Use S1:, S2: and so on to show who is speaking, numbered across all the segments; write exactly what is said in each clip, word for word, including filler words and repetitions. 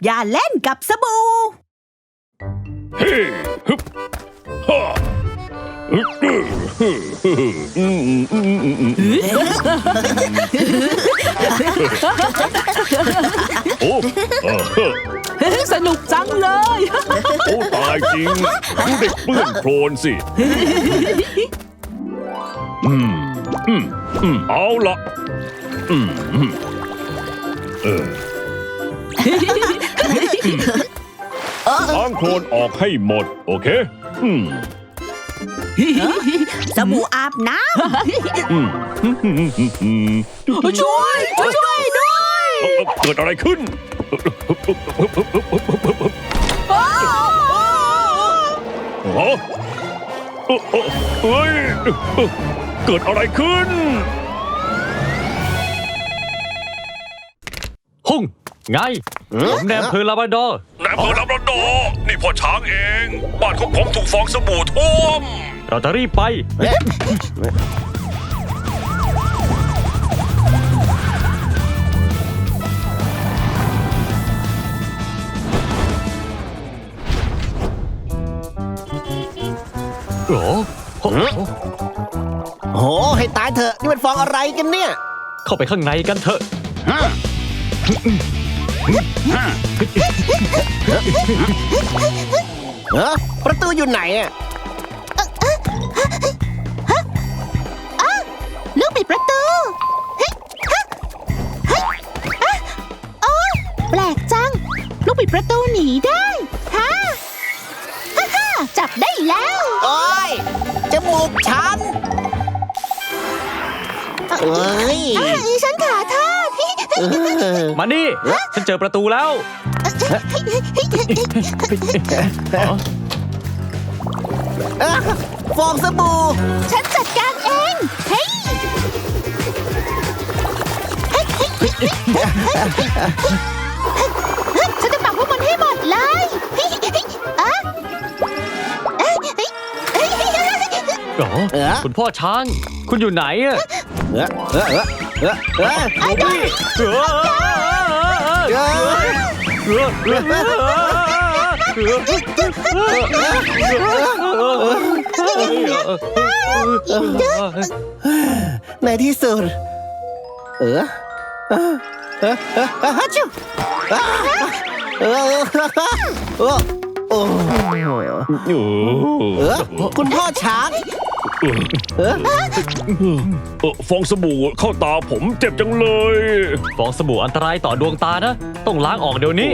S1: อย่าเล่นกับสบู่
S2: เฮ้ฮึบฮ่าโอ้
S3: สนุกจังเลย
S2: โอ้ตายจริงดูเด็กเปื้อนโคลนสิอืมอืมอืมเอาละอืมอืมเออล้างโคลนออกให้หมดโอเคอืม
S1: สบู่อาบน้
S2: อืม
S3: ช่วยช่วยด้วย
S2: เอ่อเกิดอะไรขึ้นฮะเอ่อเอ่อเฮ้ยเกิดอะไรขึ้น
S4: หุ่งไงผมแนมเพอลาบราดอร์
S2: นายอำเภอลำระดอนี่พ่อช้างเอง บ้านของผมถูกฟองสบู่ท่วม
S4: เราจะรีบไป โอ้โห
S5: โหให้ตายเถอะนี่มันฟองอะไรกันเนี่ย
S4: เข้าไปข้างในกันเถอะ
S5: เออประตูอยู่ไหนอ่ะ
S3: ำลูกปิดประตูเฮ้ยฮะเฮ้ยอ่ะโอ้แปลกจัง ลูกปิดประตูหนีได้ฮะฮ่าฮ่าจับได้แล้ว
S5: โอ้ยจมูกฉันเอ้ย
S3: ฉันขาทอด
S4: มานี่ ฉันเจอประตูแล้ว
S5: เอ้อฟองสบู่
S3: ฉันจัดการเองเฮ้ยฉันจะปักพวกมันให้หมดเลยอ่ะ
S4: อ๋อ
S5: เออ
S4: คุณพ่อช้าง คุณอยู่ไหนอะ
S5: เออเออเออเออเออ
S4: โอ้พี่เออ
S5: เออ
S4: เออเออเออ
S5: ในที่สุดเออเออเออเออเออชิวเออเออเออโอ้
S2: โอ้
S5: เออคุณพ่อช้างเออ
S2: เออฟองสบู่เข้าตาผมเจ็บจังเลย
S4: ฟองสบู่อันตรายต่อดวงตานะ ต้องล้างออกเดี๋ยวนี้
S2: โอ้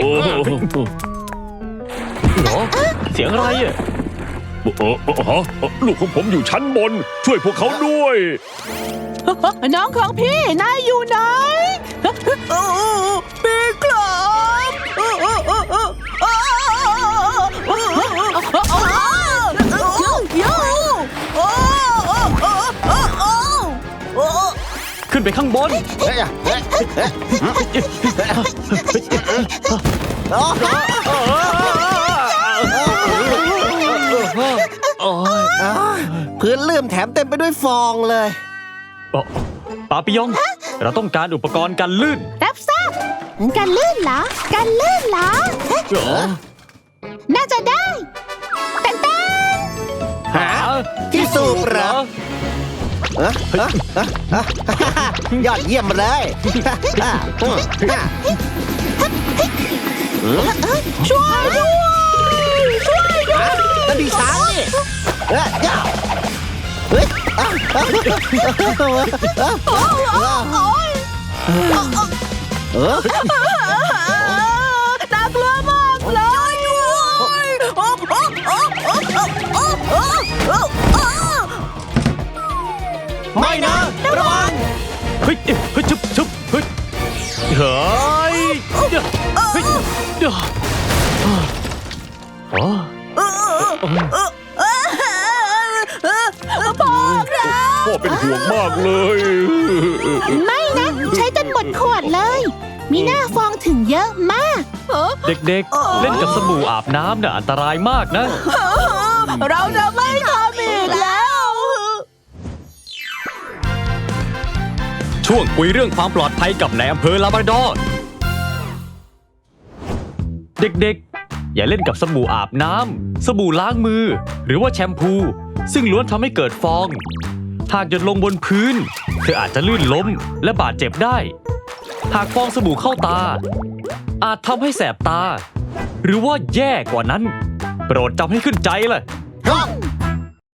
S4: เหรอเสียงอะไรอะ
S2: เออเออฮะลูกของผมอยู่ชั้นบน ช่วยพวกเขาด้วย
S3: น้องของพี่ นายอยู่ไหนโอ้ปีกลบ
S4: ขึ้นไปข้างบน
S5: เฮ้ยเฮ้ยเฮ้ยโอ้พื้นลื่นแถมเต็มไปด้วยฟองเลย
S4: ปาปิยอง เราต้องการอุปกรณ์กันลื่น
S3: รับทราบการลื่นเหรอการลื่นเหรอ
S4: เหรอ
S3: น่าจะได้เต้นเต้น
S5: หาที่สูบเหรอเอ้อเอ้อเอ้อเอ้อยอดเยี่ยมเลย
S3: ช่วยด้วยช่วยด้วย
S5: นั่นพี่ช้างนี่เอ้ยย่าเฮ้ยอ้าวอ้าวอ้าว
S3: โอ้ยโอ้ย
S5: เออ
S3: น่ากลัวมากเลยโอ้โอ้โอ้โอ้โอ้โอ้โอ้โอ้
S5: ไม่นะระวัง
S4: เฮ้ยเฮ้ยชุบชุบเฮ้ยเฮ้ยเดี๋ยวเฮ้ยเดี๋ยวอ๋อ
S3: พ่อครับ
S2: พ่อเป็นห่วงมากเลย
S3: ไม่นะ ใช้จนหมดขวดเลย มีหน้าฟองถึงเยอะมาก
S4: เด็กๆ เล่นกับสบู่อาบน้ำน่ะอันตรายมากนะ
S3: เราจะไม่ทำอีกแล้ว
S4: ช่วงคุยเรื่องความปลอดภัยกับนายอำเภอลาบราดอร์เด็กๆ อย่าเล่นกับสบู่อาบน้ำสบู่ล้างมือ หรือว่าแชมพู ซึ่งล้วนทำให้เกิดฟอง หากหยดลงบนพื้นเธออาจจะลื่นล้มและบาดเจ็บได้ หากฟองสบู่เข้าตา อาจทำให้แสบตา หรือว่าแย่กว่านั้น โปรดจำให้ขึ้นใจเลย